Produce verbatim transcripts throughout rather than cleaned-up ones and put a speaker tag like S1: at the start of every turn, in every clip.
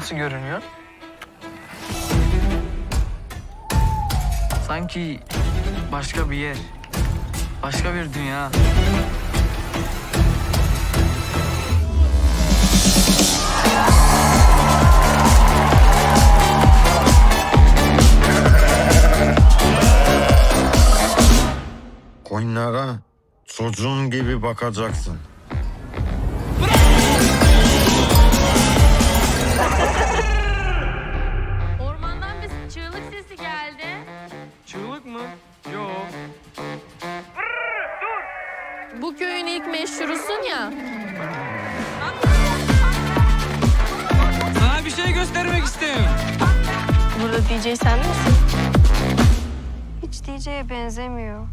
S1: nasıl görünüyor? Sanki başka bir yer, başka bir dünya.
S2: Koyunlara çocuğun gibi bakacaksın.
S3: Ormandan bir çığlık sesi geldi.
S1: Çığlık mı? Yok.
S3: Bu köyün ilk meşhurusun ya.
S1: Sana bir şey göstermek istiyorum.
S3: Burada D J sen misin?
S4: Hiç D J'ye benzemiyor.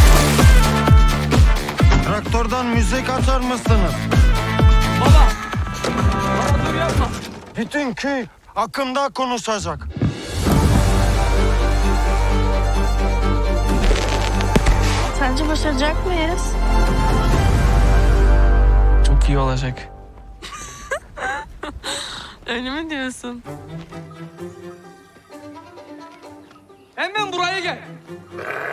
S2: Traktörden müzik açar mısınız?
S1: Baba! Baba dur yapma.
S2: Bütün köy hakkında konuşacak.
S3: Sence başaracak mıyız?
S1: Çok iyi olacak.
S3: Öyle mi diyorsun?
S1: Hemen buraya gel.